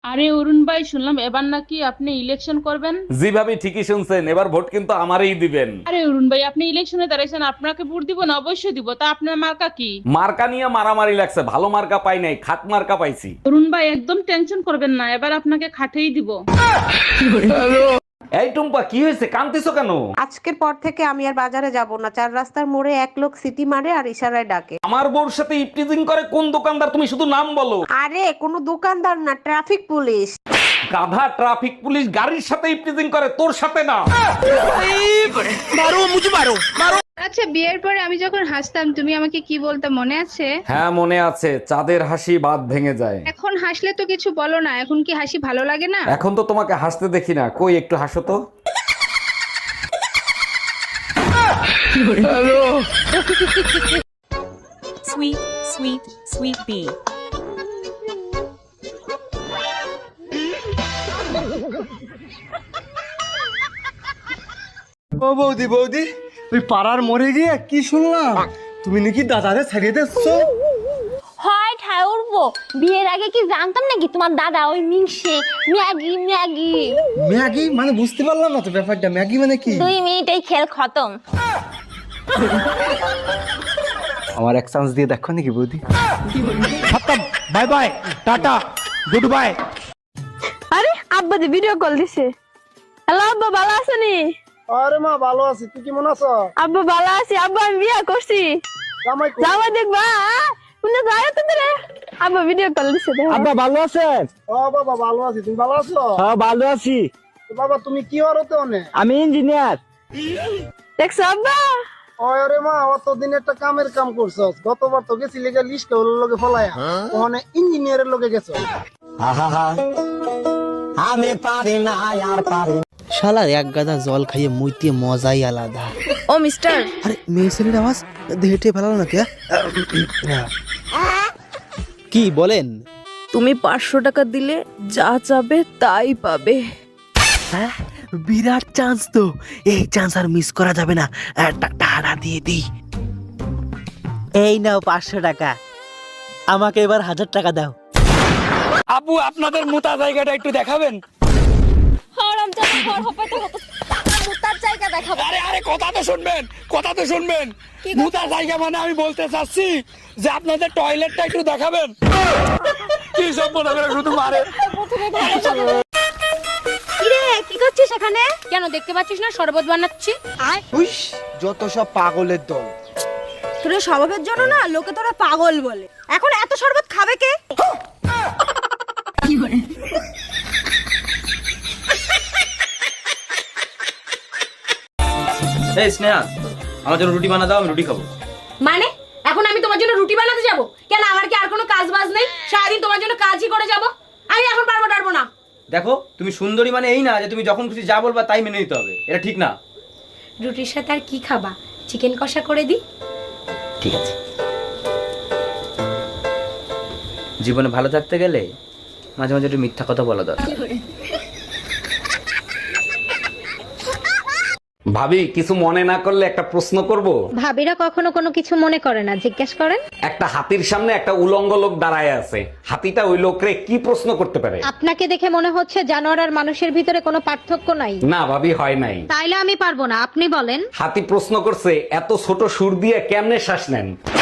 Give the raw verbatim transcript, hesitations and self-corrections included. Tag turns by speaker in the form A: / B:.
A: আরে অরুণ ভাই, শুনলাম এবার নাকি আপনি ইলেকশন করবেন।
B: জি ভাবি, ঠিকই শুনছেন, এবার ভোট কিন্তু আমারই দিবেন।
A: আরে অরুণ ভাই, আপনি ইলেকশনে দাঁড়াইছেন, আপনাকে ভোট দিব না? অবশ্যই দিব। তা আপনার মার্কা কি?
B: মার্কা নিয়ে মারামারি লাগছে, ভালো মার্কা পাই নাই, খাট মার্কা পাইছি।
A: অরুণ ভাই, একদম টেনশন করবেন না, এবার আপনাকে খাটেই দিব।
B: এই টুম্পা, কি হয়েছে, কাঁদতেছো কেন?
C: আজকের পর থেকে আমি আর বাজারে যাব না। চার রাস্তার মোড়ে এক লোক সিটি মারে আর ইশারায় ডাকে।
B: আমার বউর সাথে ইপটিজিং করে কোন দোকানদার? তুমি শুধু নাম বলো।
C: আরে কোনো দোকানদার না, ট্রাফিক পুলিশ।
B: গাধা, ট্রাফিক পুলিশ গাড়ির সাথে ইপটিজিং করে, তোর সাথে না।
D: আচ্ছা, বিয়ের পরে আমি যখন হাসতাম তুমি আমাকে কি বলতে মনে আছে?
B: হ্যাঁ মনে আছে, চাঁদের হাসি বাদ ভেঙে যায়।
D: এখন হাসলে তো কিছু বলো না, এখন কি হাসি ভালো লাগে না?
B: এখন তো তোমাকে হাসতে দেখি না, কই একটু হাসো তো।
E: Sweet, sweet, sweet bee.
F: ও বৌদি বৌদি, ওই পাড়ার মরে গিয়ে কি শুনলাম তুমি নাকি দাদারে ছাড়িয়ে দিচ্ছো?
G: হয় ঠায় উঠবো। বিয়ের আগে কি জানতাম নাকি তোমার দাদা ওই মিংসে ম্যাগি ম্যাগি
F: ম্যাগি মানে বুঝতে পারলাম না তো ব্যাপারটা, ম্যাগি মানে কি?
G: দুই মিনিটেই খেল খতম।
F: আমার এক চান্স দিয়ে দেখো নাকি বৌদি।
H: Bye bye, tata, goodbye.
G: আরে আব্বা যে ভিডিও কল দিছে। হ্যালো আব্বা, ভালো আছেনি?
F: আরে মা ভালো আছি, তুই কেমন আছো?
G: আব্বা ভালো আছি। আব্বা আমি বিয়ে করছি।
F: জামাই কই?
G: যাওয়া দেখবা তুমি যায় তো রে। আব্বা ভিডিও কল দিছে।
H: আব্বা ভালো আছেন?
F: ও বাবা ভালো আছি, তুমি ভালো আছো?
H: হ্যাঁ ভালো আছি।
F: তো বাবা তুমি কি হরতে অনে?
H: আমি ইঞ্জিনিয়ার।
G: দেখছো আব্বা?
F: ওরে মা, অতদিন একটা কামের কাম করছস, গতবার তো গেছিলি গা লিস্ট হলো লগে ফলায়া, ওখানে ইঞ্জিনিয়ারের লগে গেছো।
H: আমি পারি না আর পারি।
I: শালার এক গাদা জল খাইয়ে মুইতে মজাই আলাদা।
D: ও মিস্টার,
I: আরে মেয়ে ছেলের আওয়াজ হেঁটে ফেলালো না কে? কি বলেন?
D: তুমি পাঁচশো টাকা দিলে যা চাবে তাই পাবে।
I: হ্যাঁ, বিরাট চান্স তো, এই চান্স আর মিস করা যাবে না। টাকা দিয়ে দিই। এই নাও পাঁচশো টাকা, আমাকে এবার হাজার টাকা দাও।
H: আপু আপনাদের মোটা জায়গাটা একটু দেখাবেন? আরে আরে কথা তো শুনবেন, কথা তো শুনবেন। মোটা জায়গা মানে আমি বলতে চাচ্ছি যে আপনাদের টয়লেটটা একটু দেখাবেন। কি সব মনে করে শুধু মারে।
G: কিরে কি করছিস এখানে? কেন দেখতে পাচ্ছিস না শরবত বানাচ্ছি?
F: হুইস, যত সব পাগলের দল।
G: তোর স্বভাবের জন্য না লোকে তোরা পাগল বলে। এখন এত শরবত খাবে কে?
J: এই স্নেহা, আমার জন্য রুটি বানা দাও, আমি রুটি খাবো।
G: মানে এখন আমি তোমার জন্য রুটি বানাতে যাব? কেন আমার কি আর কোনো কাজ বাজ নেই? সারাদিন তোমার জন্য কাজই করে যাব। আমি এখন পারবো পারবো না।
J: দেখো, তুমি সুন্দরী মানে এই না যে তুমি যখন খুশি যা বলবা তাই মেনে নিতে হবে, এটা ঠিক না।
G: রুটির সাথে আর কি খাবা? চিকেন কষা করে দি।
J: ঠিক আছে। জীবনে ভালো থাকতে গেলে মাঝে মাঝে একটু মিথ্যা কথা বলা দরকার।
B: ভাবি, কিছু মনে না করলে একটা প্রশ্ন করব?
G: ভাবিরা কখনো কোনো কিছু মনে করে না, জিজ্ঞেস করেন।
B: একটা হাতির সামনে একটা উলঙ্গ লোক দাঁড়ায় আছে, হাতিটা ওই লোকরে কি প্রশ্ন করতে পারে?
G: আপনাকে দেখে মনে হচ্ছে জানোয়ার আর মানুষের ভিতরে কোনো পার্থক্য নাই।
B: না ভাবি, হয় নাই।
G: তাইলে আমি পারবো না, আপনি বলেন।
B: হাতি প্রশ্ন করছে, এত ছোট সুর দিয়ে কেমনে শ্বাস নেন?